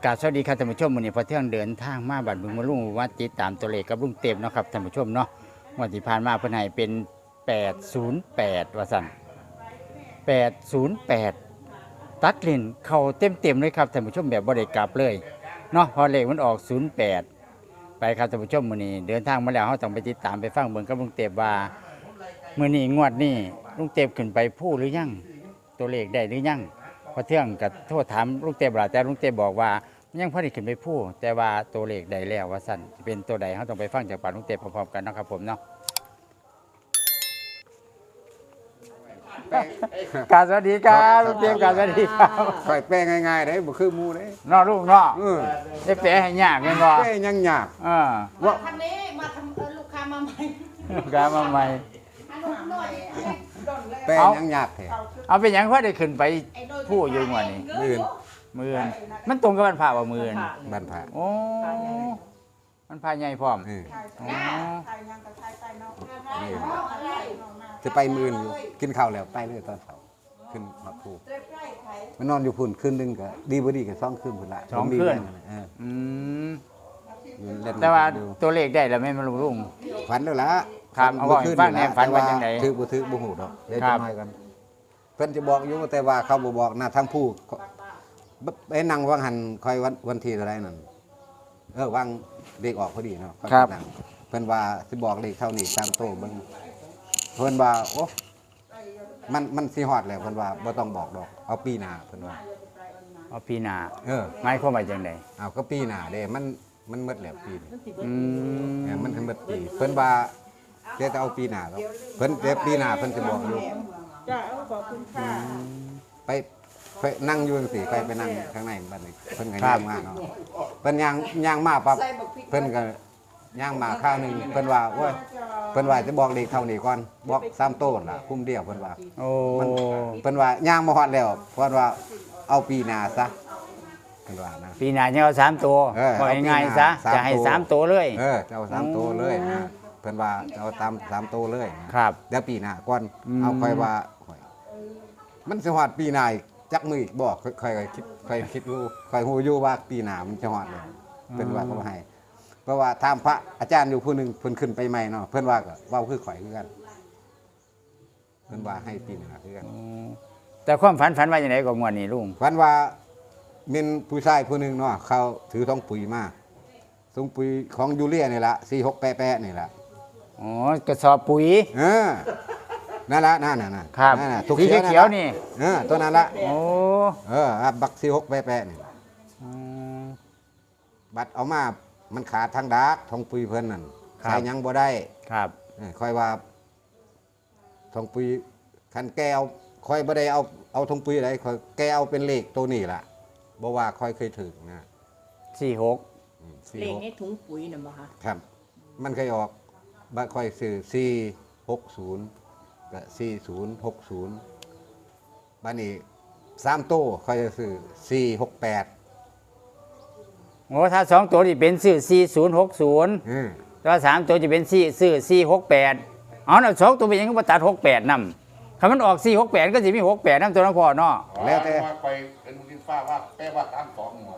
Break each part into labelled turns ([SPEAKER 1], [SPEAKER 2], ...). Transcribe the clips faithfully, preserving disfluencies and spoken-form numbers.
[SPEAKER 1] กราบสวัสดีครับท่านผู้ชมวันนี้พอเที่ยงเดินทางมาบัดบึงมาลุงว่าติดตามตัวเลขกับลุงเต็มเนาะครับท่านผู้ชมเนาะวันที่ผ่านมาเพิ่นให้เป็นแปดศูนย์แปดว่าซั่นแปดศูนย์แปดตัดเล่นเข้าเต็มๆเลยครับท่านผู้ชมแบบบ่ได้กลับเลยเนาะพอเลขมันออกศูนย์แปดไปครับท่านผู้ชมมื้อนี้เดินทางมาแล้วเฮาต้องไปติดตามไปฟังเบิ่งกับลุงเต็มว่ามื้อนี้งวดนี้ลุงเต็มขึ้นไปพูดหรือยังตัวเลขได้หรือยังพอเที่ยงก็โทษถามลุงเต็มล่ะแต่ลุงเต็มบอกว่ายังพอได้ขึ้นไปพูดแต่ว่าตัวเลขได้แล้วว่าสั่นเป็นตัวใดเขาต้องไปฟังจากปากลุงเต็มพร้อมๆกันนะครับผมเนาะกราบสวัสดีครับลุงเต็มกราบสวัสดีครับ
[SPEAKER 2] ค่อยแป้งง่ายๆได้บ่คือหมูเด้
[SPEAKER 1] เนาะลูกเนาะ
[SPEAKER 2] เออ
[SPEAKER 1] ได้แปลให้ยากแม่นบ่
[SPEAKER 2] แป้งยังยาก
[SPEAKER 1] เออ
[SPEAKER 2] ว่า
[SPEAKER 3] ทางนี้มาทำเออลูกค้ามาใหม่
[SPEAKER 1] กามาใหม่
[SPEAKER 3] อันนู้นหน่อยดนเลย
[SPEAKER 2] แป้งยังยากแท้
[SPEAKER 1] เอาเป็นหยังพอได้ขึ้นไปพูดอยู่งวดนี้
[SPEAKER 2] มื่น
[SPEAKER 1] มื้ออนมันตรงกับวันพระว่ามื้ออน
[SPEAKER 2] บ้านพระ
[SPEAKER 1] โอ้มันพาใหญ่พร้อม
[SPEAKER 2] เออ
[SPEAKER 1] อ๋อ
[SPEAKER 3] ไทยยังกับไทยไปเนาะ
[SPEAKER 2] นี่
[SPEAKER 3] อะไร
[SPEAKER 2] จะไปมื่นอยู่กินข้าวแล้วไปเลยตอนเช้าขึ้นมาพู
[SPEAKER 3] ใกล้ๆไทย
[SPEAKER 2] มันนอนอยู่พุ่นคืนนึงก็ดีบ่ดีก็สองคืนพุ่นละ
[SPEAKER 1] สอง
[SPEAKER 2] ผมมี
[SPEAKER 1] คืน
[SPEAKER 2] เรื่องเออ
[SPEAKER 1] อืม
[SPEAKER 2] เล่น
[SPEAKER 1] แต่ว่า
[SPEAKER 2] อยู่
[SPEAKER 1] ตัวเลขได้แล้วแม่นบ่ลุง
[SPEAKER 2] ฝันแล้วล่ะ
[SPEAKER 1] ครับเอาบอกให้ฟังแหน่ฝันว่าจังใด
[SPEAKER 2] ถือบ่ถือบ่ฮู้ดอกเดี๋ยว
[SPEAKER 1] ครั
[SPEAKER 2] จะ
[SPEAKER 1] บ
[SPEAKER 2] น้อยกันเพิ่นจะบอกอยู่แต่ว่าเขาบ่บอกนะทั้งผู้ไปนั่งวางหันคอยวันวันที่เท่าไรนั่นเออวางเลขออกพอดีเนาะ
[SPEAKER 1] ครับ
[SPEAKER 2] นั่งเพิ่นว่าสิบอกเลขเท่านี้ตามโตเบิ่งเพิ่นว่าโอ้มันมันสิฮอดแล้วเพิ่นว่าบ่ต้องบอกดอกเอาปีหน้าเพิ่นว่า
[SPEAKER 1] เอาปีหน้า
[SPEAKER 2] เออ
[SPEAKER 1] หมายความว่าจังได๋
[SPEAKER 2] เอาก็ปีหน้าเด้มันมันหมดแล้วปีนี้
[SPEAKER 1] อืม
[SPEAKER 2] เออมันถึงหมดปีเพิ่นว่าเดี๋ยวจะเอาปีหน้าครับเพิ่นเดี๋ยวปีหน้าเพิ่นสิบอกอยู่
[SPEAKER 3] จ้าเอาขอบคุณค่ะ
[SPEAKER 2] ไปไปนั่งอยู่จังซี่ไปไปนั่งข้างในบัดนี้เพิ่นก็ย่างมาเนาะเพิ่นย่างย่างมาปั๊บเพิ่นก็ย่างมาข้าวหนึงเพิ่นว่าโอ้ยเพิ่นว่าจะบอกเลขเท่านี้ก่อนบอกสามโต้นล่ะคุ้มเดียวเพิ่นว่า
[SPEAKER 1] โอ้
[SPEAKER 2] มันเพิ่นว่าย่างมาฮอดแล้วเพิ่นว่าเอาปีหน้าซะเพิ่นว่านะ
[SPEAKER 1] ปีหน้าจะเอาสามตัว
[SPEAKER 2] เออ
[SPEAKER 1] บอก
[SPEAKER 2] เอาปีหน้า
[SPEAKER 1] ง่ายๆซะ
[SPEAKER 2] สาม
[SPEAKER 1] จะให้
[SPEAKER 2] ตัว
[SPEAKER 1] สามตัวเลย
[SPEAKER 2] เออจะเอาสามโตเลยนะเพิ่นว่าจะเอาตามสามโตเลยนะครับ เดี๋ยวปีหน้าก่อน
[SPEAKER 1] อืม
[SPEAKER 2] เอาค่อยว่าค่อยมันสิฮอดปีหน้าอีกจักมืออีกบ่ค่อยค่อยคิดค่อยคิดอยู่ค่อยฮู้อยู่ว่าปีหน้ามันจะฮอดแล้วเพิ่นว่าเขาให้เพราะว่าถามพระอาจารย์อยู่ผู้หนึงเพิ่นขึ้นไปใหม่เนาะเพิ่นว่าก็เว้าคือข่อยคือกันเพิ่นว่าให้ปีหน้าคือกัน
[SPEAKER 1] อืมแต่ความฝันฝันว่าอย่างไรก็งวดนี้ลุง
[SPEAKER 2] ฝันว่ามีผู้ชายผู้หนึงเนาะเขาถือทองปุ๋ยมาทองปุ๋ยของยูเรียนี่ล่ะสี่หกแปะๆนี่ล่ะ
[SPEAKER 1] อ๋อกระสอบปุ๋ย
[SPEAKER 2] เออนั่นละนั่นน่ะนั่น
[SPEAKER 1] ครับ
[SPEAKER 2] นั่นน่ะ
[SPEAKER 1] สีเขียวๆนี่
[SPEAKER 2] เออตัวนั้นละ
[SPEAKER 1] โอ้
[SPEAKER 2] เอออ่ะบักซีหกแปะๆนี่
[SPEAKER 1] อืม
[SPEAKER 2] บัตรเอามามันขาดทางดาร์กทองปุยเพิ่นนั่น
[SPEAKER 1] ครับ
[SPEAKER 2] ใส่หยังบ่ได้
[SPEAKER 1] ครับ
[SPEAKER 2] เออค่อยว่าทองปุยคันแก้วค่อยบ่ได้เอาเอาทองปุยอะไรค่อยแก้วเป็นเลขตัวนี้ล่ะบ่ว่าค่อยเคยถึงนะ
[SPEAKER 1] สี่หก
[SPEAKER 2] อืมสี่
[SPEAKER 4] เลข
[SPEAKER 2] หก
[SPEAKER 4] ในถุงปุ๋ยน่ะบ่คะ
[SPEAKER 2] ครับ มันเคยออกบัตรค่อยซื้อสี่หกศูนย์กับสี่ศูนย์หกศูนย์บัดนี้สามโต้ค่อยจะซื้อสี่หกแปด
[SPEAKER 1] โอ้ถ้าสองตัวนี่เป็นซื้อสี่ศูนย์หกศูนย์
[SPEAKER 2] อืม
[SPEAKER 1] แต่ว่าสามตัวจะเป็นสี่ซื้อสี่หกแปดเอาน่ะสองตัวเป็นหยังก็มาตัดหกแปดนำคำมันออกสี่หกแปดก็จะมีหกแปดนำตัวนั้นพอเนาะ
[SPEAKER 2] แล้วแต่
[SPEAKER 5] ว่าไปเป็นดินฟ้าว่าแปลว่าตามสองหัว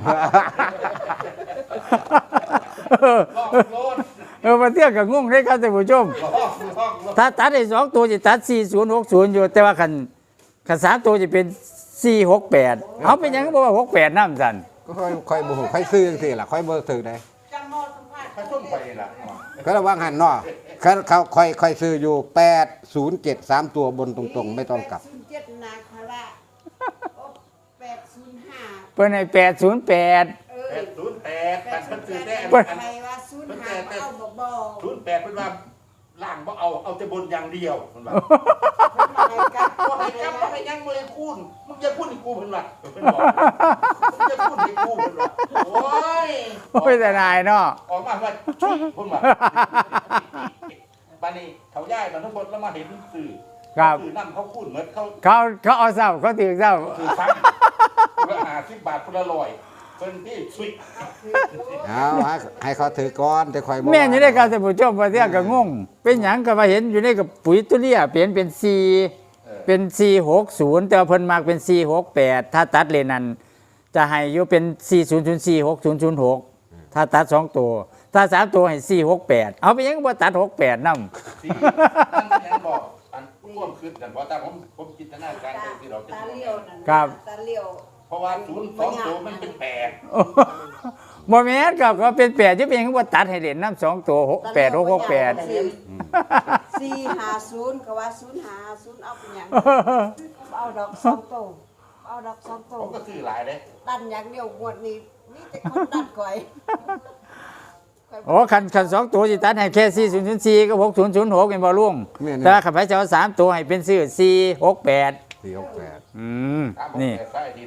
[SPEAKER 1] เออ
[SPEAKER 5] ลอกโลด
[SPEAKER 1] เออมาเที่ยวกับงงได้ครับท่านผู้ชม
[SPEAKER 5] ลอกลอกลอก
[SPEAKER 1] ถ้าตัดได้สองตัวจะตัดสี่ศูนย์หกศูนย์อยู่แต่ว่าคันคันสามตัวจะเป็นสี่หกแปดเอาเป็นหยังก็บอกว่าหกแปดน้ำสัน
[SPEAKER 2] ก็ค่อยค่อยบ่ฮู้ค่อยซื้อจังซี่ล่ะค่อยบ่ซื้อได้
[SPEAKER 3] จำมอสัมภาษณ์
[SPEAKER 5] ไปส้มไปล่ะ
[SPEAKER 2] ก็ระวังหันเนาะเขาเขาค่อยค่อยซื้ออยู่แปดศูนย์เจ็ด สามตัวบนตรงๆ ไม่ต้องกลับ
[SPEAKER 3] แปดศูนย์เจ็ดนาคาราโอ้แปดศูนย์ห้า
[SPEAKER 1] เปิ้นให้แปดศูนย์แปด
[SPEAKER 3] เอ
[SPEAKER 5] แป
[SPEAKER 3] อ
[SPEAKER 5] ดศูนย์แปด
[SPEAKER 3] แป
[SPEAKER 5] แป
[SPEAKER 3] ด
[SPEAKER 5] ด
[SPEAKER 3] ศู
[SPEAKER 5] ศู
[SPEAKER 3] น
[SPEAKER 5] น
[SPEAKER 3] ย์
[SPEAKER 5] ย์
[SPEAKER 3] แป
[SPEAKER 5] แป
[SPEAKER 3] ด
[SPEAKER 5] ด
[SPEAKER 3] ใครว่าศูนย์ห้าเอาบ่บ่
[SPEAKER 5] ศูนย์แปดเป็นว่าล่างบ่เอาเอาแต่บนอย่างเดียวมันว่า
[SPEAKER 3] ให้กับ
[SPEAKER 5] บ่ให้กลับบ่ให้ยังบ่ให้คูณมึงอย่าพูดให้กูเพิ่นว่าเพิ่นบอกมึงอย่าพูดให้กูเพิ่นว่าโอ้ย
[SPEAKER 1] โอ้ยแต่นายเนาะ
[SPEAKER 5] ออกมาว่าชุยเพิ่นว่าบัดนี้เขาย้ายมาทั้งหมดแล้วมาเห็นสื่อ
[SPEAKER 1] ครับ
[SPEAKER 5] สื่อนํเขาคูณเหมือนเขา
[SPEAKER 1] เขาเขาเอาเศร้าเขาถือเศร้า
[SPEAKER 5] คือซ้ำคนละห้าสิบบาทคนละร้อยเป็นที่ชุย
[SPEAKER 2] เอาให้ให้เขาถือก้อนจะค่อยบ่
[SPEAKER 1] แม่นอยู่ในการท่านผู้ชมมาเที่ยวกับงง เป็นหยังก็มาเห็นอยู่ในกับปุ๋ยตุเลียเปลี่ยนเป็นสี่เป็นสี่หกศูนย์แต่ว่าเพิ่นมากเป็นสี่หกแปดถ้าตัดเลนนั้นจะให้อยู่เป็นสี่ศูนย์ศูนย์สี่หกศูนย์ศูนย์หกถ้าตัดสองตัว ถ้าสามตัวให้สี่หกแปดเอาไปยังบ่ตัดหกแปดนำ
[SPEAKER 5] ที่ท่านก็ยังบอกอันร่วมขึ้นกันเพราะแต่ผมผมจินตนาการไปที่เราจะ
[SPEAKER 3] ตาเลี้ยวนั่น
[SPEAKER 1] ครับ
[SPEAKER 3] ตาเลี้ยว
[SPEAKER 5] เพราะว่าศูนย์สองตัวมันเป็นแปด
[SPEAKER 1] บ่แม่นก็ก็เป็นแปดจะเป็นยังบ่ตัดให้เล่นนำสองตัวหกแปดหกหกแปด
[SPEAKER 3] สี่ห้าศูนย์ก็ว่าศูนย์ห้าศูนย์เอาเป็นหยังเอาดอกสองโตเอาดอกสองโต
[SPEAKER 5] ผมก็ซื้อหลายเลย
[SPEAKER 3] ดันอย่างเดียวงวดนี้นี่แต่คนดันก่อย
[SPEAKER 1] โอ้คันคันสองตัวสิตัดให้แค่สี่ศูนย์ศูนย์สี่ก็หกศูนย์ศูนย์หกเป็นบ่ลุง
[SPEAKER 2] แม่น
[SPEAKER 1] แต่ว่าขับไปจะเอาสามตัวให้เป็นซื้อสี่หกแปด
[SPEAKER 2] สี่หกแปด
[SPEAKER 1] อืม
[SPEAKER 5] ตามผม
[SPEAKER 1] นี่
[SPEAKER 5] แต่ใต้ดิน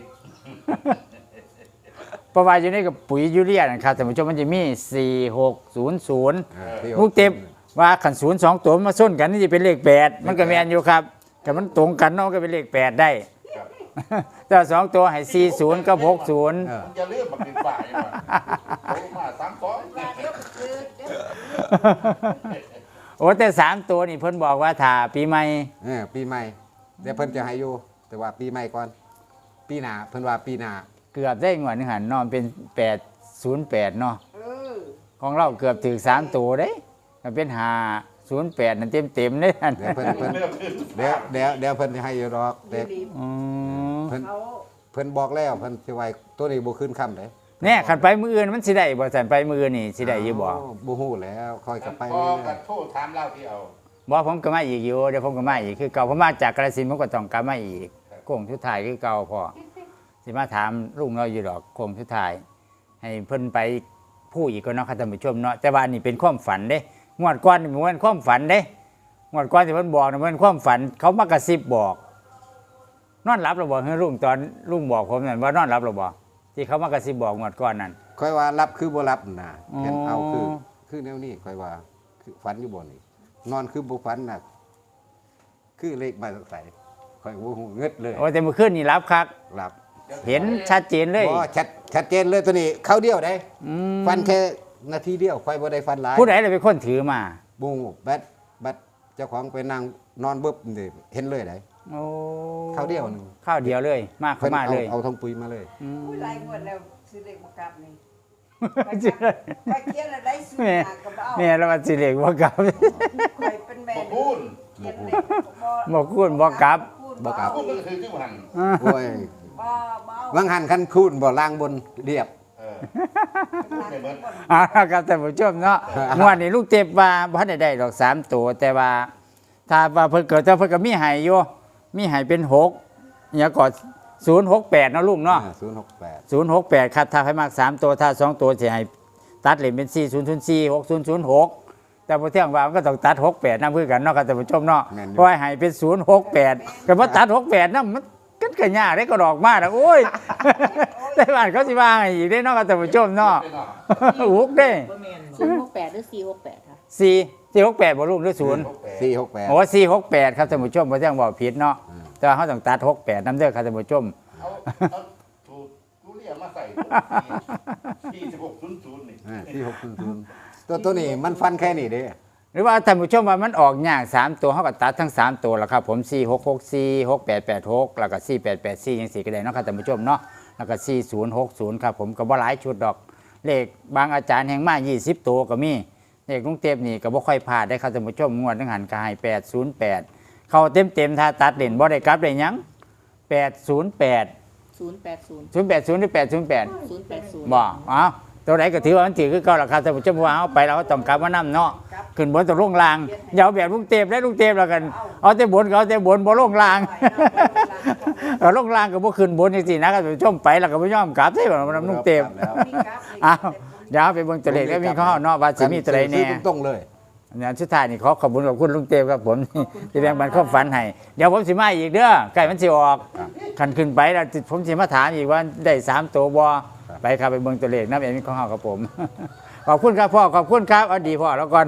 [SPEAKER 1] เพราะว่าอยู่ในกับปุ๋ยยูเรียนะครับท่านผู้ชมมันจะมีสี่หกศูนย์ศูนย์
[SPEAKER 2] อ่าสี่ห
[SPEAKER 1] ลู
[SPEAKER 2] ก
[SPEAKER 1] กเต็มว่าขันศูนย์สองตัวมันมาส้นกันนี่จะเป็นเลขแปดมันก็แมนอยู่ครับแต่มันตรงกันเนาะก็เป็นเลขแปดได้
[SPEAKER 5] ครับ
[SPEAKER 1] แต่สองตัวให้สี่ศูนย์กับหกศูนย์
[SPEAKER 2] เออ
[SPEAKER 5] ผมจะเลื่อนมาเป็นฝ่ายมาโอ้มาสามสอง
[SPEAKER 3] ว่าเดี๋ยวคือเดี๋ยว
[SPEAKER 1] โอ้แต่สามตัวนี่เพิ่นบอกว่าถ้าปีใหม่
[SPEAKER 2] เออปีใหม่เดี๋ยวเพิ่นจะให้อยู่แต่ว่าปีใหม่ก่อน ปีหน้าเพิ่นว่าปีหน้า
[SPEAKER 1] เกือบได้งวดหนึงหันนอนเป็นแปดศูนย์แปดเนาะ
[SPEAKER 3] เออ
[SPEAKER 1] ของเราเกือบถึงสามตัวเด้มันเป็นห้าศูนย์แปดนั่นเต็มเต็มๆเลยนั่น
[SPEAKER 2] เดี๋ยวเพิ่นเพิ่น
[SPEAKER 5] เลื่อนขึ้น
[SPEAKER 2] เดี๋ยวเดี๋ยวเดี๋ยวเพิ่นจะให้อยู่ดอกแต่
[SPEAKER 3] ดี
[SPEAKER 1] อืม
[SPEAKER 2] เพิ่น
[SPEAKER 3] เขา
[SPEAKER 2] เพิ่นบอกแล้วเพิ่นสิไว้ตัวนี้บ่ขึ้นค่ำเด้
[SPEAKER 1] แน่ขันไปมืออื่นมันสิได้บ่สันไปมืออื่นนี่สิได้อยู่บ่
[SPEAKER 2] บ่ฮู้แล้วค่อยกลับไป
[SPEAKER 5] พอ
[SPEAKER 2] เรื่
[SPEAKER 5] กั
[SPEAKER 2] อย
[SPEAKER 5] โทษถามเล่าที่เอา
[SPEAKER 1] บ่ผมก็มาอีกอยู่เดี๋ยวผมก็มาอีกคือเก่าผมมาจากกาฬสินธุ์ผมก็ต้องกลับมาอีกโค้งสุดท้ายคือเก่าพอสิมาถามลุงเราอยู่ดอกโค้งสุดท้ายให้เพิ่นไปพูดอีกก็เนาะค่ะท่านผู้ชมเนาะแต่ว่านี่เป็นความฝันเด้งวดก่อนนี่มันความฝันเด้งวดก่อนที่เพิ่นบอกนี่มันความฝันเขามากระซิบบอก นอนหลับหรือบ่เฮ้ยลุงตอนลุงบอกผมนั่นว่านอนหลับหรือบ่ที่เขามากระซิบบอกงวดก่อนนั่น
[SPEAKER 2] ๆค่อยว่ารับคือบ่รับน่ะ
[SPEAKER 1] อ๋อ
[SPEAKER 2] เห็นเอาคือคือแนวนี้ค่อยว่าคือฝันอยู่บ่นี่นอนคือบ่ฝันน่ะคือเลขมาใส่ค่อยบ่ฮู้เงิดเลย
[SPEAKER 1] โอ้แต่เมื่อคืนนี่รับคัก
[SPEAKER 2] รับ
[SPEAKER 1] เห็นชัดเจนเลย
[SPEAKER 2] บ่ชัดชัดเจนเลยตัวนี้เข้าเดียวได้
[SPEAKER 1] อืม
[SPEAKER 2] ฟันแค่นาทีเดียวค่อยบ่ได้ฟันหลาย
[SPEAKER 1] ผู้ใดเลยเป็นคนถือมา
[SPEAKER 2] บูแบดแบดเจ้าของไปนั่งนอนเบิบนี่เห็นเลยได้
[SPEAKER 1] โอ้
[SPEAKER 2] ข้าวเดียวหนึง
[SPEAKER 1] ข้าวเดียวเลย มากเข้ามา
[SPEAKER 2] เอา
[SPEAKER 1] เลย
[SPEAKER 2] เอาทองปุ๋ยมาเลย
[SPEAKER 1] อืม
[SPEAKER 3] ผู้ไรงวดแล้วซื้อเด็กมากลับนี่
[SPEAKER 1] ไปเจอ
[SPEAKER 3] ไปเขียนอะไรซื้อ
[SPEAKER 1] แม่
[SPEAKER 3] หากับเอา
[SPEAKER 1] แม่แล้วมันสิเล็กบ่กลับ
[SPEAKER 3] คอยเป็นแม่
[SPEAKER 5] บอกพูด
[SPEAKER 3] เขียนเลข
[SPEAKER 1] บ่คูณบ่กลับ
[SPEAKER 2] บ่กลับ
[SPEAKER 5] พูดก็คือที่หัน
[SPEAKER 2] โอ้ย
[SPEAKER 3] บ่บ่เอา
[SPEAKER 2] วังหันคันคูนบ่ล่างบนเรียบ
[SPEAKER 5] เออพูดในเบิร์ด
[SPEAKER 1] เอาละครับท่านผู้ชมเนาะงวดนี้ลูกเจ็บว่าบ่ทันได้ได้ดอกสามตัวแต่ว่า ถ้าว่าเพิ่นเกิดแต่เพิ่นก็มีให้อยู่มีให้เป็นหกอย่าก่อนศูนย์หกแปดเนาะลุงเนาะ
[SPEAKER 2] ศูนย์หกแปด
[SPEAKER 1] ศูนย์หกแปดครับถ้าให้มากสามตัวถ้าสองตัวจะให้ตัดเหรียญเป็นสี่ศูนย์ศูนย์สี่หกศูนย์ศูนย์หกแต่พอเที่ยงว่ามันก็ต้องตัดหกแปดนำเพื่อกันเนาะครับท่านผู้ชมเนาะเพราะให้เป็นศูนย์หกแปดก็พอตัดหกแปดนั่นมันก็เกิดยากได้ก็ดอกมากนะโอ้ย ได้บ้านเขาสิว่าให้อีกได้เนาะครับท่านผู้ชมเนาะ อุกได้
[SPEAKER 4] ศูนย์หกแปดหรือสี่หกแปดค่ะ
[SPEAKER 1] สี่สี่หกแปดบ่ลุงหรือศูนย์
[SPEAKER 2] สี่หกแปด
[SPEAKER 1] โอ้สี่หกแปดครับท่านผู้ชมพอเที่ยงบอกผิดเนาะแต่ว่าเขาต้องตัดหกแปดนำเด้อครับท่านผู้ชม
[SPEAKER 5] เอาเอาถูกกูเรียกมาใส่สี่สิบหกศูนย์ศูนย์นี่
[SPEAKER 2] สี่หกศูนย์ศูนย์ตัวตัวนี้มันฟันแค่นี้เด้
[SPEAKER 1] หรือว่าท่านผู้ชมว่ามันออกยากสามตัวเขาก็ตัดทั้งสามตัวแล้วครับผมสี่หกหกสี่หกแปดแปดหกแล้วก็สี่แปดแปดสี่ยังสี่ก็ได้เนาะครับท่านผู้ชมเนาะแล้วก็สี่ศูนย์หกศูนย์ครับผมก็บ่หลายชุดดอก เลขบางอาจารย์แห่งมายี่สิบตัวก็มีเลขลุงเต็มนี่ก็บ่ค่อยพลาดได้ครับท่านผู้ชมงวดนึงหันกายแปดศูนย์แปดเข้าเต็มเต็มๆถ้าตัดเล่นบ่ได้กลับได้หยังแปดศูนย์แปด
[SPEAKER 4] ศูนย์แปดศูนย์
[SPEAKER 1] ศูนย์แปดศูนย์หรือแปดศูนย์แปด
[SPEAKER 4] ศูนย์แปดศูนย์
[SPEAKER 1] บ่เอาตัวไหนก็ถือว่ามันถือคือเก่าราคาท่านผู้ชมว่าเอาไปเราก็ต้องกลับมานํเนาะขึ้นบนตัวลงลางอย่าเอาแบบลุงเต็มได้ลุงเต็มแล้วกันเอาแต่บนก็เอาแต่บนบ่ลงลาง เอาลงลางก็บ่ขึ้นบนจังซี่นะครับท่านผู้ชมไปแล้วก็บ่ยอมกลับใช่บ่มันลุงเต็ม
[SPEAKER 2] แล้ว
[SPEAKER 1] อ้าวเดี๋ยวไปเบิ่งตัวเลขแล้วมีข้อเนาะว่าสิมีตัวใดแน่
[SPEAKER 2] ซื้อตรงๆเลย
[SPEAKER 1] เนี่ยสุดท้ายนี่ขอขอบคุณขอบคุณลุงเต็มครับผม ที่แบ่งปันความฝันให้เดี๋ยวผมสิมาอีกเด้อใกล้มันสิออกคันขึ้นไปแล้วผมสิมาถามอีกว่าได้สามตัวบ่ไปครับไปเบิ่งตัวเลขนำเอ็มของเฮาครับผม ขอบคุณครับพ่อขอบคุณครับเอาดีพ่อแล้วก่อน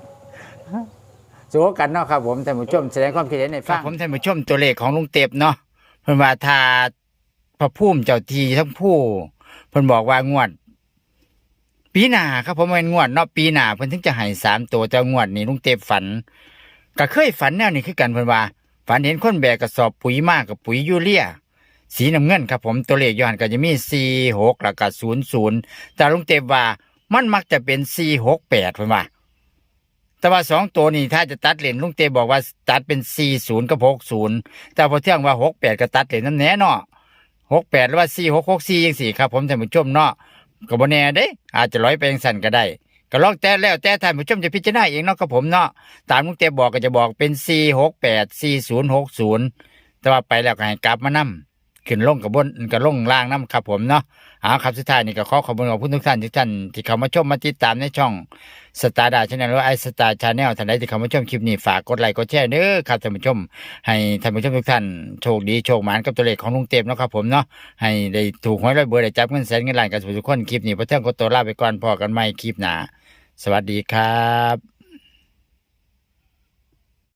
[SPEAKER 1] สู้กันเนาะครับผมท่านผู้ชมแสดงความคิดเห็นในฟังผมท่านผู้ชมตัวเลขของลุงเต็บเนาะเพิ่นว่าถ้าพระภูมิเจ้าที่ทั้งผู้เพิ่นบอกว่างวด ปีหน้าครับผมเป็นงวดเนาะปีหน้าเพิ่นถึงจะให้สามตัวแต่งวดนี้ลุงเต็บฝันก็เคยฝันแนวนี้คือกันเพิ่นว่าฝันเห็นคนแบกกระสอบปุ๋ยมากกับปุ๋ยยูเรียสีน้ำเงินครับผมตัวเลขอยู่หันก็จะมีสี่หกแล้วก็ศูนย์ศูนย์แต่ลุงเต็มว่ามันมักจะเป็นสี่หกแปดเพิ่นว่าแต่ว่าสองตัวนี้ถ้าจะตัดเลนลุงเต็มบอกว่าตัดเป็นสี่ศูนย์กับหกศูนย์แต่พอเที่ยงว่าหกแปดก็ตัดเลนน้ำแน่เนาะหกแปดหรือว่าสี่หกหกสี่ยังสี่ครับผมท่านผู้ชมเนาะก็บ่แน่เด้อาจจะร้อยไปยังสั่นก็ได้ก็ลองแต่แล้วแต่ท่านผู้ชมจะพิจารณาเองเนาะครับผมเนาะตามลุงเต็มบอกก็จะบอกเป็นสี่หกแปดสี่ศูนย์หกศูนย์แต่ว่าไปแล้วก็ให้กลับมานํขึ้นลงกับบนกับลงล่างน้ำครับผมเนาะเอาครับสุดท้ายนี่ก็ขอขอบคุณขอบคุณทุกท่านทุกท่านที่เข้ามาชมมาติดตามในช่องสตาร์ดาชาแนลหรือไอสตาร์ชาแนลท่านใดที่เข้ามาชมคลิปนี้ฝากกดไลค์กดแชร์เด้อครับท่านผู้ชมให้ท่านผู้ชมทุกท่านโชคดีโชคหมานกับตัวเลขของลุงเต็มเนาะครับผมเนาะให้ได้ถูกหวยร้อยเบอร์ได้จับเงินแสนเงินล้านกันทุกคนคลิปนี้พระเที่ยงก็ตัวลาไปก่อนพอกันใหม่คลิปหน้าสวัสดีครับ